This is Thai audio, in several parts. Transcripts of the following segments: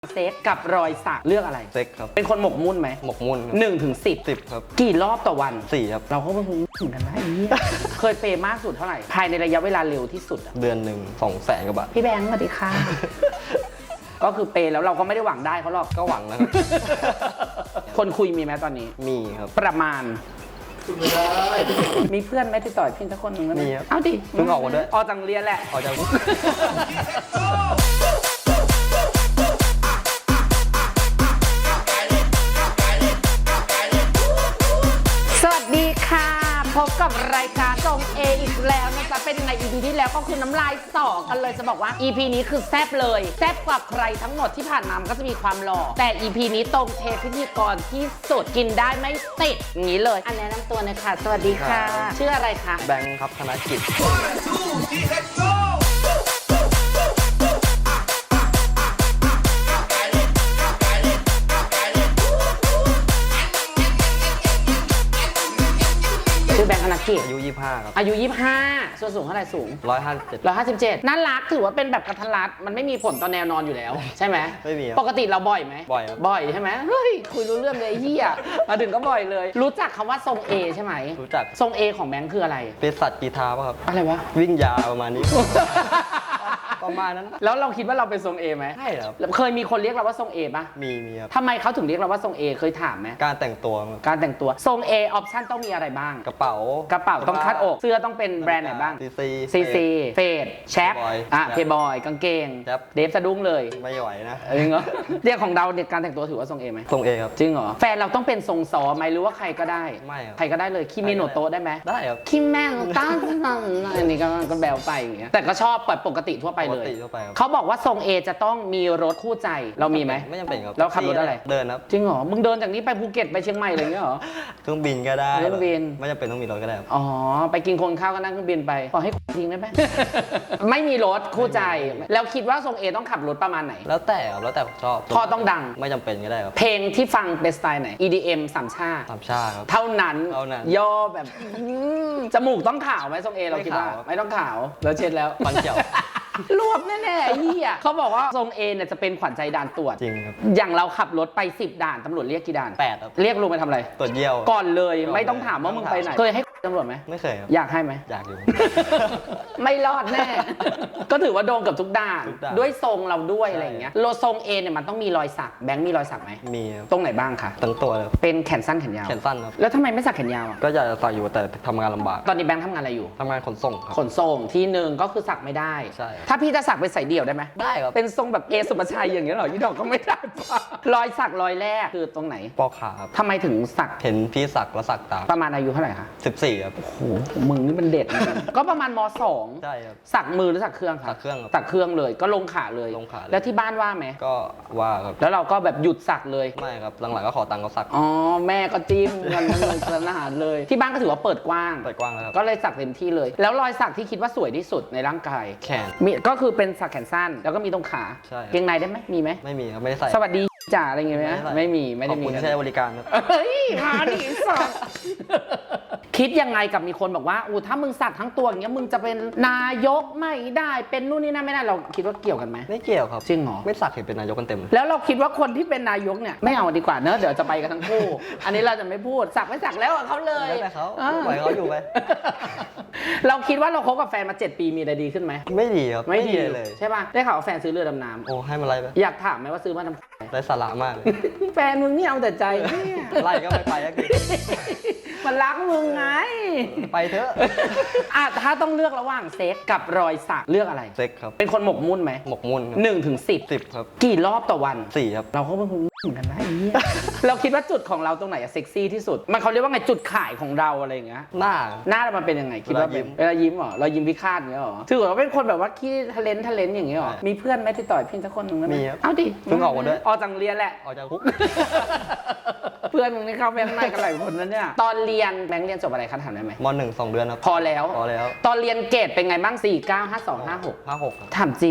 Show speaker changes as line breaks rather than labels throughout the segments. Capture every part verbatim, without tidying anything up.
เซ็กกับรอยสักเลือกอะไร
เซ็กครับ
เป็นคนหมกมุ่นไหม
หมกมุ่น
หนึ่งถึงสิบ
สิบครับ
กี่รอบต่อวัน
สี่ครับ
เราก็ไม่รู้เหมือนกันนะไอ้เหี้ยเคยเปย์มากสุดเท่าไหร่ภายในระยะเวลาเร็วที่สุด
เดือนหนึ่งสองแสนกว่าบาท
พี่แบงค์สวัสดีค่ะ ก็คือเปย์แล้วเราก็ไม่ได้หวังได้เขาหรอก
ก็หวังนะครับ
คนคุยมีไหมตอนนี้
มีครับ
ประมาณมีเพื่อนไหมติดต่อพี่สักคนหนึ่ง
มีครับ
เอาดิ
เพิ่งออกมาด้วย
ออกจากเรียนแหละ
ออกจาก
สวัสดีค่ะพบกับรายการทรงเออีกแล้วนะจ๊ะเป็นยังไง อี พี ที่แล้วก็คือน้ำลายสอกันเลยจะบอกว่า อี พี นี้คือแซ่บเลยแซ่บกว่าใครทั้งหมดที่ผ่านมามันก็จะมีความหล่อแต่ อี พี นี้ตรงเทพิธีกรที่สุดกินได้ไม่ติดอย่างนี้เลยอันแนะนำตัวเลยค่ะสวัสดีค่ะชื่ออะไรคะ
แบงค์ครับธนกิจ
ชื่อแบงค์ธนกิจ
อายุยี่สิบห้าครับ
อายุยี่สิบห้าส่วนสูงเท่าไหร่สูง
หนึ่งร้อยห้าสิบเจ็ด
หนึ่งร้อยห้าสิบเจ็ดน่ารักถือว่าเป็นแบบกระทันรัดมันไม่มีผลต่อแนวนอนอยู่แล้วใช่ไหม
ไม่มี
ปกติเราบ่อยไหม
บ่อยครับ
บ่อยใช่ไหมเฮ้ยคุยรู้เรื่องเลยเฮียมาถึงก็บ่อยเลยรู้จักคำว่าทรงเอใช่ไหม
รู้จัก
ทรงเอของแบงค์คืออะไร
เป็นสัตว์กีทาป่ะครับ
อะไรวะ
วิ่งยาวประมาณนี้ ประมาณนั้น
แล้วเราคิดว่าเราเป็นทรงเอไหม
ใช่ครับ
เคยมีคนเรียกเราว่าทรงเอปะ
มีมีครับ
ทำไมเขาถึงเรียกเราว่าทรงเอเคยถามไหม
การแต่งตัว
การแต่งตัวทรงเอออปชั่นต้องมีอะไรบ้าง
กระเป๋าก
ระเป๋าต้องคัดอกเสื้อต้องเป็นแบรนด์ไหนบ้าง
ซีซี
ซีซีเฟดแชปอ่ะเพย์บอยกางเกงเดฟสะดุ้งเลย
ไม่ไหวนะ
จริงเหรอเรียกของเราเนี่ยการแต่งตัวถือว่าทรงเอไหม
ทรงเอครับ
จริงเหรอแฟนเราต้องเป็นทรงซอไหมหรือว่าใครก็ได้
ไม่ครับ
ใครก็ได้เลยคิเมโนโตะได้ไหม
ได้ครับ
คิแม่งตั้งอันนี้ก็ก็แบวไปอย่างเงี้ยแต่ก็ชอบปกติทั่วไปเลยเขาบอกว่าทรงเอจะต้องมีรถคู่ใจเรามีไหม
ไม่จำเป็นครับ
แล้วขับรถอะไร
เดินครับ
จริงเหรอมึงเดินจากนี้ไปภูเก็ตไปเชียงใหม่อะไรเงี้ยเหรอ
เครื่องบินก็ได้
เครื่องบิน
ไม่จำเป็นต้องมีรถก็ได้
อ๋อไปกินคนข้าวก็นั่งเครื่องบินไปขอให้ทิ้งได้ไหม ไม่มีรถคู่ใจแล้วคิดว่าทรงเอต้องขับรถประมาณไหน
แล้วแต่ครับแล้วแต่ชอบ
พอต้องดัง
ไม่จำเป็นก็ได้ครับ
เพลงที่ฟังเป็นสไตล์ไหน อี ดี เอ็ม สามชา
สามชาครับ
เท่านั้น
เท่านั้น
ย่อแบบจมูกต้องขาวไหมทรงเอเราคิดว่าไม่ต้องขาวแล้วเช็ดแล้ว
ฟันเขียว
รวบแน่ๆเหี้ยเขาบอกว่าทรงเอเนี่ยจะเป็นขวัญใจด่านตรวจ
จริงครับ
อย่างเราขับรถไปสิบด่านตำรวจเรียกกี่ด่าน
แปดครับ
เรียกลุงไปทำอะไร
ตรวจเยี่ยว
ก่อนเลยไม่ต้องถามว่ามึงไปไหนเคยให้ตำรวจไหม
ไม่เคยครับ
อยากให้ไหม
อยากอยู่
ไม่รอดแน่ก็ถือว่าโดนกับทุกด่านด้วยทรงเราด้วยอะไรอย่างเงี้ยโลทรงเอเนี่ยมันต้องมีรอยสักแบงค์มีรอยสักไหม
มี
ตรงไหนบ้างคะ
ทั้งตัวเลย
เป็นแขนสั้นแขนยาว
แขนสั้นครับ
แล้วทำไมไม่สักแขนยาวอ่ะ
ก็อยากจะสักอยู่แต่ทำงานลำบาก
ตอนนี้แบงค์ทำงานอะไรอยู่
ทำงานขนส่งครับ
ขนส่งที่หนึ่งก็คือสักไม่ได้
ใช่
ถ้าพี่จะสักเป็นสายเดี่ยวได้ไหม
ได้ครับ
เป็นทรงแบบเอสุภาชัยอย่างเงี้ยหรอยี่ดอกก็ไม่ได้ป่ะรอยสักรอยแรกคือตรงไหน
ปอขาครับ
ทำไมถึงสัก
เห็นพี่สักแล้วสักตาม
ประมาณอายุเท่าไหร่คะ
สิบสี่ครับ
โอ้โหมึงนี่มันเด็ด ก็ประมาณมสอง
ใช่ครับ
สักมือหรือสักเครื่องครับ
สักเครื่อง
สักเครื่องเลยก็ลงขาเลย
ลงขา
แล้วที่บ้านว่าไหม
ก็ว่าครับ
แล้วเราก็แบบหยุดสักเลย
ไม่ครับหลังๆก็ขอตังค์เขาสัก
อ๋อแม่ก็จิ้มเงินเงินสนอาหารเลยที่บ้านก็ถือว่าเปิดกว้าง
เปิดกว้างแล้วครับ
ก็เลยสักเต็มที่เลยแล้วรอยสักที่คิดว่าสวยที่สุดในร่างกาย
แขน
มีก็คือเป็นสักแขนสั้นแล้วก็มีตรงขา
ใช่
เกงในได้ไหมมีไหม
ไม่มีครับไม่ได้ใส่
สวัสดีจ่าอะไรเงี้ยไหมไม่มีไม่ได้มี
ขอบคุณที่ใช้บริการครับ
เฮ้ยมาดิสักคิดยังไงกับมีคนบอกว่าอู้ถ้ามึงสักทั้งตัวอย่างเงี้ยมึงจะเป็นนายกไม่ได้เป็นนู่นนี่นั่นไม่ได้เราคิดว่าเกี่ยวกันไหม
ไม่เกี่ยวครับ
จริงเหรอ
ไม่สักเห็นเป็นนายกกันเต็ม
แล้วเราคิดว่าคนที่เป็นนายกเนี่ยไม่เอาดีกว่าเนอะเดี๋ยวจะไปกันทั้งคู่อันนี้เราจะไม่พูดสักไม่สักแล้วเขาเลย
แล้วแต่เขาปล่อยเขาอยู่ไป
เราคิดว่าเราคบกับแฟนมาเจ็ดปีมีอะไรดีขึ้นไหม
ไม่ดีครับ
ไม่ดีเลยใช่ป่ะได้ข่าวว่าแฟนซื้อเรือดำน้ำ
โอ้ให้มาไล่ไป
อยากถามไหมว่าซื้อมาทำ
ไร้สาระมากเลย
แฟนมึงนี่เอาแต่ใจเนี่ย
ไล่ก็ไม่ไปแล้ว
มันรักมึงไง
ไปเถอะ
อ่ะถ้าต้องเลือกระหว่างเซ็กกับรอยสักเลือกอะไร
เซ็กครับ
เป็นคนหมกมุ่นไหม
หมกมุ่น
หนึ่งถึงสิบ
สิบครับ
กี่รอบต่อวัน
สี่ครับ
เราก็เป็นคนเหมือนกันนะไอ้เนี่ยเราคิดว่าจุดของเราตรงไหนอะเซ็กซี่ที่สุดมันเขาเรียกว่าไงจุดขายของเราอะไรอย่างเงี้ย
หน้า
หน้ามันเป็นยังไงคิดว่าเป็นเวลายิ้มเหรอเรายิ้มพิฆาตอย่างเงี้ยเหรอถือว่าเป็นคนแบบว่าขี้ทะเลนทะเลนอย่างเงี้ยเหรอมีเพื่อนไหมติดต่อพี่สักคนนึงไหม
มีครับ
เอาดิ
เพิ่งออกมาด้วย
ออกจากเรียนแหละ
ออกจากคุก
เพื่อนมึงนี่เข้าไปข้างในกันหลายคนนั้นเนี่ยตอนเรียนแบงค์เรียนจบอะไรคะถามได้ไหม
มหนึ่งสองเดือนครับ
พอแล้ว
พอแล้ว
ตอนเรียนเกรดเป็นไงบ้างสี่ เก้า ห้า สอง ห้า หก
ห้าหก
ถามจริง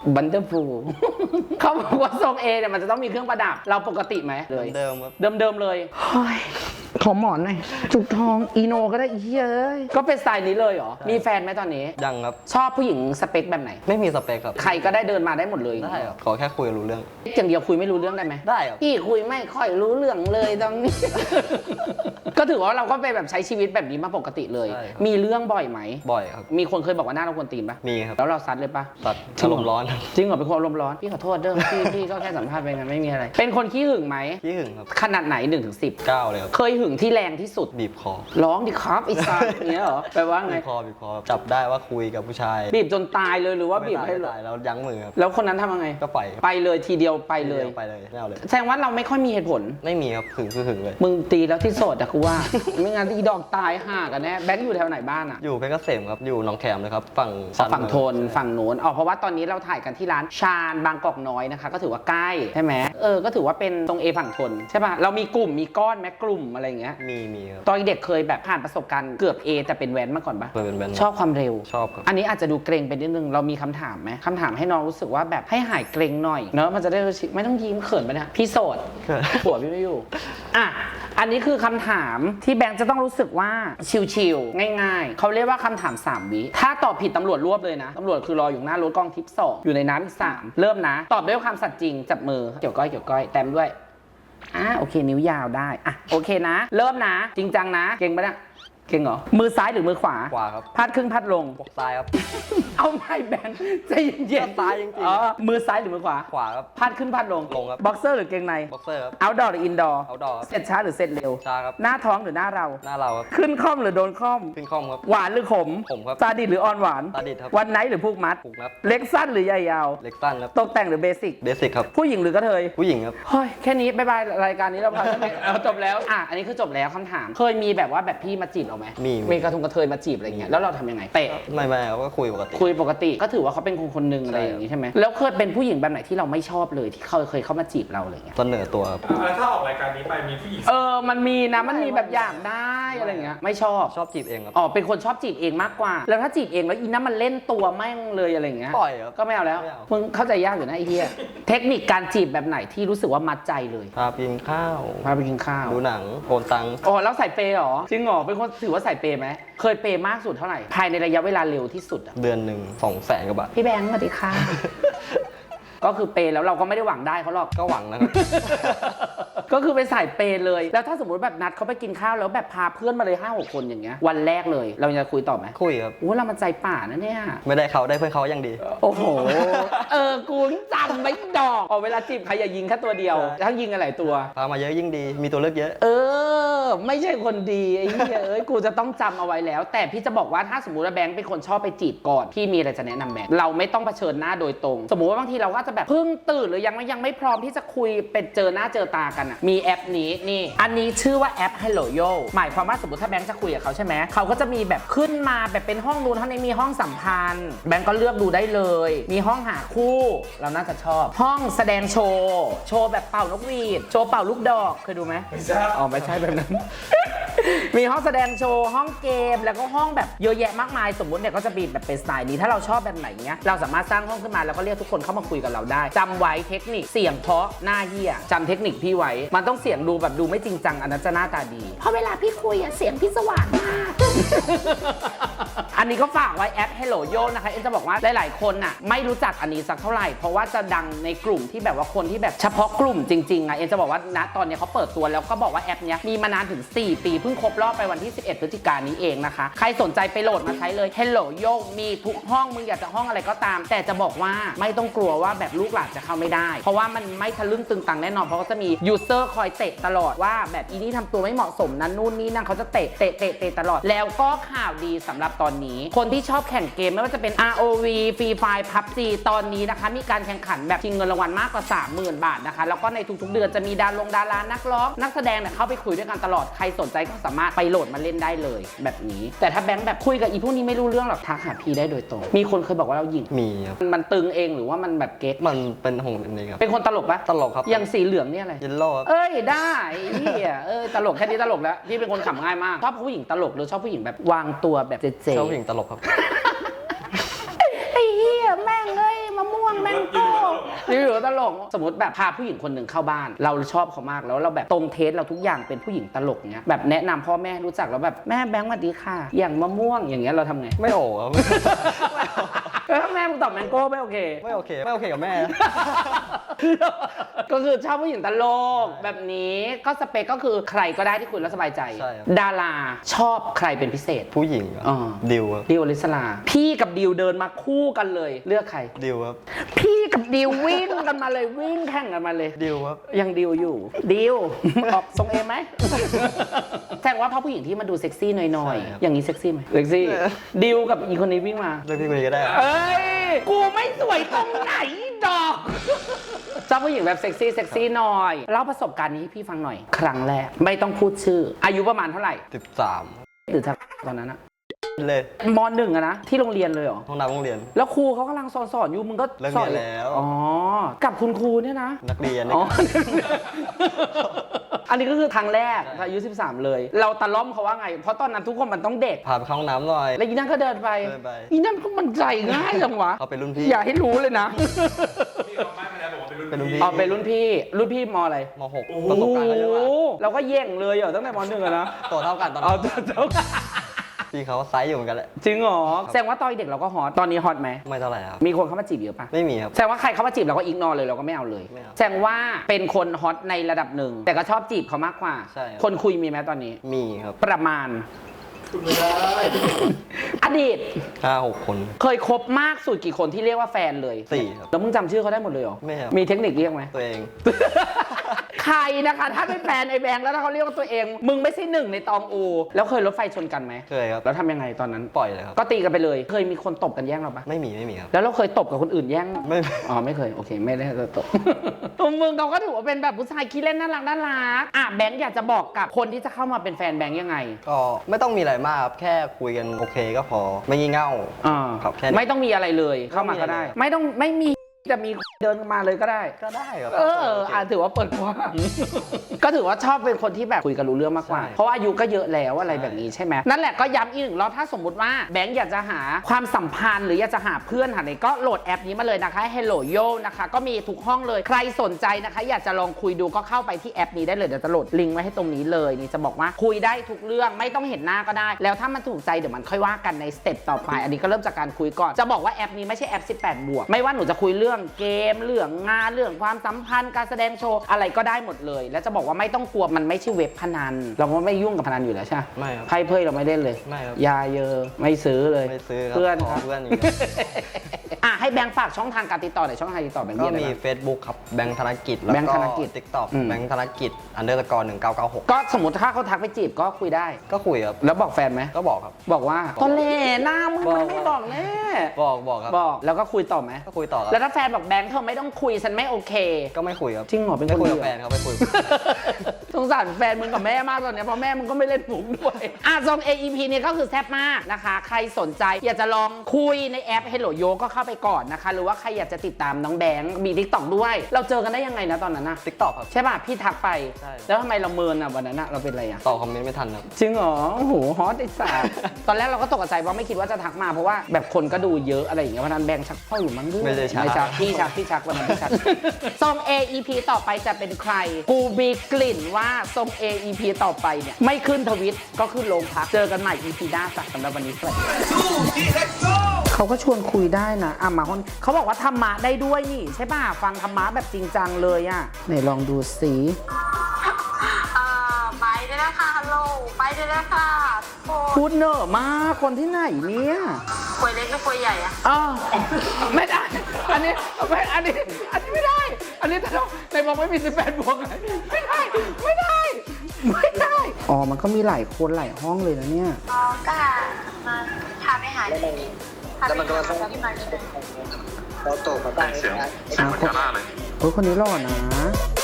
บันเดอร์ฟูล เขาบอกว่าทรงเอเนี่ยมันจะต้องมีเครื่องประดับเราปกติไหมเลย
เดิมครับ
เดิมๆเลยเฮ้ยขอหมอนหน่อยจุกทองอีโนก็ได้อีเฮ้ยก็เป็นสไตล์นี้เลยเหรอมีแฟนไหมตอนนี้
ยังครับ
ชอบผู้หญิงสเปคแบบไหน
ไม่มีสเปคครับ
ใครก็ได้เดินมาได้หมดเลย
ได้ครับขอแค่คุยรู้เรื่อง
อย่างเดียวคุยไม่รู้เรื่องได้ไหม
ได้ครับ
พี่คุยไม่ค่อยรู้เรื่องเลยตอนนี้ ก็ถือว่าเราก็ไปแบบใช้ชีวิตแบบนี้มาปกติเลย
ใช่ครับ
มีเรื่องบ่อยไหม
บ่อยครับ
มีคนเคยบอกว่าหน้าเราควรตีนปะ
มีครับ
แล้วเราซัดเลยปะ
ตัด
จริ
อาง
เห
ร
รอ
มณ์ร้อนครับ
จริงเหรอเป็นคนอารมณ์ร้อนพี่ขอโทษเด้อพี่พี่ก็แค่สัมภาษณ์ไปงั้นไม่มีอะไร เป็นคนขี้หึงไหม
พี่หึงครับ
ขนาดไหนหนึ่งถึงสิบ
เก้าเลยครับ
เคยหึงที่แรงที่สุด
บีบคอ
ร้องดิครับไอ้สัสอย่างเงี้ยเหรอแปลว่าไง
บีบคอบีบคอจับได้ว่าคุยกับผู้ชาย
บีบจนตายเลยหรือว่าบีบ
ไม่
ให้
ได้ไม่ได้แล้วยั้งมือครับ
แล้วคนนั้นทำยังไง
ก็ปล่อยครับ
ไปเลยทีเดียวไปเลย
ไปเลยไม่เอาเลย
แสดงว่าเราไม่ค่อยมีเหตุผล
ไม่มีครับหึงคือหึงเลย
มึงตีแล้วที่โสดอะกูว่า ไม่งั้นอีดอกตายห่ากันแน่แบงค์อยู่แถวไหนบ้านอะ
อยู่เพชรเกษมครับอยู่หนองแขมเลยครับฝั่ง
ฝั่งโทนฝั่งโน้นอ๋อเพราะว่าตอนนี้เราถ่ายกันที่ร้านชาญบางกอกน้อยนะคะ ก็ถือว่าใกล้ใช่ไหมเออก็ถือว่าเป็นตรงเอฝั่งทนใช่ป่ะเรามีกลุ่มมีก้อนแม้กลุ่มอะไรอย่างเงี้ย
มีมีครับ
ตอนเด็กเคยแบบผ่านประสบการณ์เกือบ A แต่เป็นแว้นมาก่อนปะ
เคยเป็นแบนด์
ชอบความเร็ว
ชอบครับ
อันนี้อาจจะดูเกรงไปนิดนึงเรามีคำถามไหมคำถามให้น้องรู้สึกว่าแบบให้หายเกรงหน่อยเนอะมันจะได้รู้สึกไม่ต้องยิ้มเขินไปนะพี่โสด ผัวพี่ไม่อยู่ อ่ะ อันนี้คือคำถามที่แบงค์จะต้องรู้สึกว่าชิลๆง่ายๆ เขาเรียกว่าคำถามสามวิ ถ้าตอบผิดตำรวจรวบเลยนะ ตำรวจคือรออยู่หน้ารถกองทิปสองอยู่ในน้ำอีกสามเริ่มนะ ตอบด้วยความสัตย์จริง จับมือ เกี่ยวก้อยเกี่ยวก้อยแต้มด้วย อ่ะโอเคนิ้วยาวได้ อ่ะโอเคนะ เริ่มนะ จริงจังนะ เก่งปะเนี่ยเก่งเหรอ มือซ้ายหรือมือขวา
ขวาครับ
พัดครึ่งพัดลง
ปกซ้ายครับ
เอาไม่แบงค์ใจเย็นๆ
ซ้ายจริงๆ
อ๋อมือซ้ายหรือมือขวา
ขวาครับ
พัดขึ้นพัดลง
ลงครับ
บ็อกเซอร์หรือเกงใน
บ็อกเซอร์ครับ
เอาดอร์หรืออินดอร์
เอาดอร์ครับ
เสร็จช้าหรือเสร็จเร็ว
ช้าครับ
หน้าท้องหรือหน้าเรา
หน้าเราครับ
ขึ้นคล่อมหรือโดนคล่อม
ขึ้นคล่อมครับ
หวานหรือขม
ขมครับ
ซาดิสหรืออ่อนหวาน
ซาดิสครับ
วันไหนหรือผูกมัด
ผูกครับ
เล็กสั้นหรือใหญ่ยาว
เล็กสั้นครับ
ตกแต่งหรือเบสิก
เบสิกครับ
ผู้หญิงหรือกระเทย
ผู้หญิงครับ
เฮ้ยแค่นี้บายบายรายการนี้เราพาแค่นี้เอาจบแล้วอ่ะอันนี้คือจบแล้วคำถาม เคยมีแบบว่าแบบพี่มาจีบเราไหม
มี
มีกระทงกระเทยมาจีบอะไรเงี้ยแล้วเราทำยังไงเตะ
ไม่ไม่ครับก็คุยปกติ
คุยปกติก็ถือว่าเขาเป็นคนคนหนึ่งอะไรอย่างงี้ใช่ไหมแล้วเคยเป็นผู้หญิงแบบไหนที่เราไม่ชอบเลยที่เขาเคยเข้ามาจีบเราอะไรเงี้ย
เสนอตัวครับ
แล้วถ้าออกรายการนี้ไปมีผู้หญิง
เออ มันมีนะ มันมีแบบอยากได้อะไรเงี้ย ไม่ชอบ
ชอบจีบเองครับ
อ๋อ เป็นคนชอบจีบเองมากกว่า แล้วถ้าจีบเองแล้วอีนั่นมันเล่นตัวแม่งเลยอะไรเงี้ย
ปล่อยครับ
ก็ไม่เอาแล้ว
ไม่เอา
มึงเข้าใจยากอยู่นะไอ้เหี้ย เทคนิคการจีบแบบไหนที่รู้สึกว่ามัดใจเลย
พาไปกินข้าว
พาไปกินข้าว
ดูหนังโอนตังค์
อ๋อ แล้วใส่เปย์เหรอ จริงเหรอ เป็นคนถือว่าใส่เปย์ไหม เคยเปย์มากสุดเท่าไหร่ ภายในระยะเวลาเร็วที่สุดอะ
เดือนหนึ่งสองแสนกว่าบาท
พี่แบงค์สวัสดีค่ะ ก็คือเปย์แล้วเราก็ไม่ได้หวังได้เขาหรอก
ก็หวังนะครับ
ก็คือไปใส่เปย์เลย แล้วถ้าสมมติแบบนัดเขาไปกินข้าวแล้วแบบพาเพื่อนมาเลยห้าหกคนอย่างเงี้ย วันแรกเลย เราจะคุยต่อไหม
คุยครับ
โอ้เรามันใจป่านะเนี่ย
ไม่ได้เขาได้เพื่อนเขาอย่างดี
โอ้โห เออ กูจำไม่ดอกอ๋อเวลาจีบใครอย่ายิงแค่ตัวเดียว
ใช่
ถ้ายิงอะไรตัว
พามาเยอะยิ่งดี มีตัวเลือกเยอะ
เออ ไม่ใช่คนดีไอ้เหี้ยเอ้ย กูจะต้องจำเอาไว้แล้ว แต่พี่จะบอกว่าถ้าสมมติว่าแบงค์เป็นคนชอบไปจีบก่อน พี่มีอะไรจะแนะนำแบงค์เราไม่ต้องเผชิญหน้าโดยตรง สมมติว่าบางทีเราก็จะแบบเพิ่งตื่นหรือยังไม่ยังไม่พร้อมที่จะคุยเป็นเจอหน้าเจอตากันอ่ะ มีแอปนี้นี่ อันนี้ชื่อว่าแอป Hello Yo หมายความว่าสมมติถ้าแบงค์จะคุยกับเขาใช่ไหม เขาก็จะมีแบบขึ้นมาแบบเป็นห้องนู้นห้องนี้มีห้องสัมพันธ์ แบงค์ก็เลือกดูได้เลย มีห้องหาคู่ เราน่าจะชอบ ห้องแสดงโชว์ โชว์แบบเป่านกหวีด โชว์เป่าลูกดอก เคยดูไหม
ไม่ทราบ
อ๋อไม่ใช่แบบนั้น มีห้องแสดงโชว์ ห้องเกม แล้วก็ห้องแบบเยอะแยะมากมาย สมมุติเนี่ยก็จะมีแบบเป็นสไตล์นี้ ถ้าเราชอบแบบไหนเนี้ย เราสามารถสร้างห้องขึ้นมาแล้วก็เรียกทุกคนเข้ามาคุยกับเราได้จำไว้เทคนิคเสียงเพราะหน้าเหี้ยจำเทคนิคพี่ไว้ มันต้องเสียงดูแบบดูไม่จริงจังอันนั้นจะหน้าตาดี เพราะเวลาพี่คุยอะเสียงพี่สว่างมาก อันนี้ก็ฝากไว้แอป Hello Yo นะคะเอ็นจะบอกว่าหลายๆคนน่ะไม่รู้จักอันนี้สักเท่าไหร่เพราะว่าจะดังในกลุ่มที่แบบว่าคนที่แบบเฉพาะกลุ่มจริงๆอ่ะเอ็นจะบอกว่าณตอนนี้เขาเปิดตัวแล้วก็บอกว่าแอปเนี้ยมีมานานถึงสี่ปีเพิ่งครบรอบไปวันที่สิบเอ็ดพฤศจิกายนนี้เองนะคะใครสนใจไปโหลดมาใช้เลย Hello Yo มีทุกห้องมึงอยากจะห้องอะไรก็ตาม แต่จะบอกว่าไม่ต้องกลัวว่าแบบลูกหลานจะเข้าไม่ได้เพราะว่ามันไม่ทะลึ่งตึงตังแน่นอนเพราะว่าจะมียูเซอร์คอยเตะตลอดว่าแบบอีนี่ทำตัวไม่เหมาะสมนั้นนู่นนี่นั่นเขาจะเตะเตะเตะเตะตลอดแล้วก็ข่าวดีสำหรับตอนนี้คนที่ชอบแข่งเกมไม่ว่าจะเป็น อาร์ โอ วี Free Fire พับจี ตอนนี้นะคะมีการแข่งขันแบบชิงเงินรางวัลมากกว่า สามหมื่น บาทนะคะแล้วก็ในทุกๆเดือนจะมีดารงดารานักร้องนักแสดงเนี่ยเข้าไปคุยด้วยกันตลอดใครสนใจก็สามารถไปโหลดมาเล่นได้เลยแบบนี้แต่ถ้าแบงค์แบบคุยกับอีพวกนี้ไม่รู้เรื่องหรอกทักหาพี่ได้โดยตรงมีคนเคยบอกว่าเราหยิง
มีครับ
มันตึงเองหรือว่ามันแบบเก๊ก
มันเป็นของนี่ครับ
เป็นคนตลกปะ
ตลกครับ
อย่างสีเหลืองเนี่ยอะไร
เยลโล่ครับ
เอ้ยได้เฮียเอ้ยตลกแค่นี้ตลกแล้วพี่เป็นคนขำง่ายมากชอบผู้หญิงตลกหรือชอบผู้หญิงแบบวางตัวแบบเจ๊
ชอบผู้หญิงตลกครับ
ไอ้เฮียแม่งเอ้ยมะม่วงแม่งโก้รีวิวตลกสมมติแบบพาผู้หญิงคนหนึ่งเข้าบ้าน เราชอบเขามากแล้วเราแบบตรงเทสเราทุกอย่างเป็นผู้หญิงตลกเนี้ยแบบแนะนำพ่อแม่รู้จักแล้วแบบแม่แบงค์สวัสดีค่ะ อย่างมะม่วงอย่างเงี้ยเราทำไง
ไม่โอ้ครับ
แล้วถ้าแม่มึงตอบแมงโก้ไม่โอเค
ไม่โอเคไม่โอเคกับแม่
ก็คือชอบผู้หญิงตลกแบบนี้ก็สเปคก็คือใครก็ได้ที่คุยแล้วสบายใจ
ใช่ครับ
ดาราชอบใครเป็นพิเศษ
ผู้หญิงครับ
อ่า
ดิวครับ
ดิวอลิสลาพี่กับดิวเดินมาคู่กันเลยเลือกใคร
ดิวครับ
พี่กับดิววิ่งกันมาเลยวิ่งแข่งกันมาเลย
ดิวครับ
ยังดิวอยู่ดิว ออกทรงเอไหม แสดงว่าเพราะผู้หญิงที่มาดูเซ็กซี่หน่อย
ใช่ครับ
ๆอย่างนี้เซ็กซี่ไหมเซ็กซี่
เออ
ดิวกับอีคนนี้วิ่งมา
เลือกพี่คนนี้ก็ได้ครับ
เอ้ย กูไม่สวยตรงไหนดอกชอบผู้หญิงแบบเซ็กซี่เซ็กซี่หน่อยเล่าประสบการณ์นี้ให้พี่ฟังหน่อย ครั้งแรกไม่ต้องพูดชื่อ อายุประมาณเท่าไหร่
สิบสาม
หรือถ้าตอนนั้นอะ
เลย
มหนึ่งอะนะที่โรงเรียนเลยเหรอ
ห้องน้ำโรงเรียน
แล้วครูเขากำลังสอนสอนอยู่มึงก็
เลิก
สอน
เรียนแล้ว
อ๋อกับคุณครูเนี่ยนะ
นักเรียน
อ๋อ
นี่
อันนี้ก็คือครั้งแรกอายุสิบสามเลย เราตะล่อมเขาว่าไง เพราะตอนนั้นทุกคนมันต้องเด็ก
พาไปเข้าห้องน้ำหน่อย
แล้วอีนั่นก็เดินไป
เดินไป
อีนั่นก็มันใจง่ายจังวะ
เขาเป็นรุ่นพี่
อย่าให้รู้เลยนะ
พี่เขาไม่มาแล้วบอกว่าเป็นรุ่น
เป็นรุ่นพี่
พี่
อ๋อเป็นรุ่นพี่ รุ่นพี่มอะไร
มหกประสบการณ์ก็เยอะมาก
โอ้เราก็แย่งเลยเหรอตั้งแต่มหนึ่งอะนะ
ตัวเท่ากันตอน
เอา
นั้น
เจ้า
พี่เขาไซส์อยู่เหมือนกันแหละ
จริงเหรอแสดงว่าตอนเด็กเราก็ฮอต ตอนนี้ฮอตไหม
ไม่เท่าไหร่ครับ
มีคนเข้ามาจีบเยอะปะ
ไม่มีครับ
แสดงว่าใครเข้ามาจีบเราก็อิกนอเลยเราก็ไม่เอาเลย
ไม่เอา
แสดงว่าเป็นคนฮอตในระดับหนึ่ง แต่ก็ชอบจีบเขามากกว่า
ใช่ครับ
คนคุยมีไหมตอนนี้
มีครับ
ประมาณ
คุณไม่ได้
อดีต
ห้าหกคน
เคยคบมากสุดกี่คนที่เรียกว่าแฟนเลย
สี่ครับ
แล้วมึงจำชื่อเขาได้หมดเลยเหรอ
ไม่ครับ
มีเทคนิคเรียกไหม
ตัวเอง
ใครนะคะถ้าเป็นแฟนไอ้แบงค์แล้วถ้าเขาเรียกว่าตัวเอง มึงไม่ใช่หนึ่งในตองอู แล้วเคยรถไฟชนกันไหม
เคยครับ
แล้วทำยังไงตอนนั้น
ปล่อยเลยครับ
ก็ตีกันไปเลย เคยมีคนตบกันแย่งเราปะ
ไม่มีไม่มีครับ
แล้วเราเคยตบกับคนอื่นแย่ง
ไม่
อ๋อไม่เคยโอเคไม่ได้ตบ มึงเขาก็ถือว่าเป็นแบบผู้ชายขี้เล่นน่ารักน่ารักอ่ะแบงค์อยากจะบอกกับคนที่จะเข้ามาเป็นแฟนแบงค์ยังไง
ก็ไม่ต้องมีอะไรมากครับแค่คุยกันโอเคก็พอไม่งี่เง่า
อ่า
ครับแค่นี้
ไม่ต้องมีอะไรเลยเข้ามาก็ได้ ไม่ต้องไม่มีจะมีเดินมาเลยก็ได้
ก็ได้ครับ
เอออ่ะถือว่าเปิดกว้าง ก็ถือว่าชอบเป็นคนที่แบบคุยกันรู้เรื่องมากกว่า
ใช่
เพราะว่าอายุก็เยอะแล้วอะไร
ใช่
แบบนี้ใช่ไหมนั่นแหละก็ย้ำอีกหนึ่งรอบถ้าสมมติว่าแบงค์อยากจะหาความสัมพันธ์หรืออยากจะหาเพื่อนหาไหนก็โหลดแอปนี้มาเลยนะคะ Hello Yo นะคะก็มีทุกห้องเลยใครสนใจนะคะ อยากจะลองคุยดูก็เข้าไปที่แอปนี้ได้เลยเดี๋ยวจะโหลดลิงก์ไว้ให้ตรงนี้เลยนี่จะบอกว่าคุยได้ทุกเรื่องไม่ต้องเห็นหน้าก็ได้ แล้วถ้ามันถูกใจเดี๋ยวมันค่อยว่ากันในสเต็ปต่อไป อันนี้ก็เริ่มจากการคุยก่อนจะบอกว่าแอปนี้ไม่ใช่แอปสิบแปดบวกไม่ว่าหนูจะคุยเรื่องเกมเรื่องงานเรื่องความสัมพันธ์การแสดงโชว์อะไรก็ได้หมดเลย แล้วจะบอกว่าไม่ต้องกลัวมันไม่ใช่เว็บพนันเราก็ไม่ยุ่งกับพนันอยู่แล้วใช่ไหม
ไม่ครับ
ไพ่เพยเราไม่เล่นเลย
ไม่ครับ
ยาเยอะไม่ซื้อเลย
ไม่ซื้อครับ
เพื่อน
ข
ครับ
เพื่อนอย่างเดียว
อ่ะให้แบงค์ฝากช่องทางการติดต่อหน่อยช่องทางติดต่อแบงค์
ก็
มีอะไร
มี
บ้าง
Facebook ครับแบงค์ธนกิจแล้ว
แบงค์
ก็
ธนกิจ
ติ๊กต็อก
อืม
แบงค์ธนกิจอันเดอร์สกอร์หนึ่งเก้าเก้าหก
ก็สมมติถ้าเขาทักไปจีบก็คุยได้
ก็คุยครับ
แล้วบอกแฟนไหม
ก็บอกครับ
บอกว่าตอนเล่หน้ามึง
บอก
มันไม่บอกแน่
บอกบอกครับ
บอกแล้วก็คุยต่อไหม
ก็คุยต่อครับ
แล้วถ้าแฟนบอกแบงค์เธอไม่ต้องคุยฉันไม่โอเค
ก็ไม่คุยครับ
จริงเหรอเป็น
ไม่
คน
คุย
ดี
กับ
เหรอ
แฟนครับไม่คุย
สงสารแฟนมึงกับแม่มากตอนเนี้ยเพราะแม่มึงก็ไม่เล่นมุกด้วย อ่ะซอง เอ อี พี เนี่ยก็คือแซ่บมากนะคะ ใครสนใจอยากจะลองคุยในแอป Hello Yo ก็เข้าไปก่อนนะคะ หรือว่าใครอยากจะติดตามน้องแบงค์มี TikTok ด้วย เราเจอกันได้ยังไงนะตอนนั้นนะ
ติ๊กต็อกครับ
ใช่ป่ะ พี่ทักไป
ใช่
แล้วทำไมเราเมินอ่ะวันนั้นอ่ะเราเป็นอะไรอ่ะ
ตอบคอมเมนต์ไม่ทันครับ
จริงเหรอโอ้โหฮอตไอ้สัส ตอนแรกเราก็ตกใจว่าไม่คิดว่าจะทักมาเพราะว่าแบบคนก็ดูเยอะอะไรอย่างเงี้ยวันนั้นแบงค์ชักเข้าอยู่มั้งด้วย
ไม่ได้ชัก
ไม่ชักพี่ชักพี่ชักวันนั้นพี่ชัก ทรง เอ อี พี ต่อไปจะเป็นใคร กูมีกลิ่นว่าทรง เอ อี พี ต่อไปเนี่ยไม่ขึ้นทวิตก็ขึ้นโรงพักเจอกันใหม่ อี พี หน้าจ้ะสำหรับวันนี้สวัสดีเขาก็ชวนคุยได้นะอ่ะมาคนเขาบอกว่าธรรมะได้ด้วยนี่ใช่ป่ะฟังธรรมะแบบจริงจังเลยอ่ะไหนลองดูสิ
อ่าไปได้แล้วค่ะฮัลโหลไปได้แล้วค่ะโอ้
พูดเนอะมากคนที่ไหนเนี่ย
ควยเล็กหรือควยใหญ่อะ
อ้าวไม่ได้ อันนี้ไม่อันนี้ อันนี้ไม่ได้ อันนี้ถ้าเราในบอกไม่มีสิบแปดบวกไงไม่ได้ ไม่ได้ ไม่ได้ อ๋อ มันก็มีหลายคนหลายห้องเลยนะเนี่ย
อ๋อก็มาพาไปหาที่พาไปหาที่มาที่ไหน
เสียงเสียงเหมือนกาล่าเลย
โอ้ยคนนี้หล่อนะ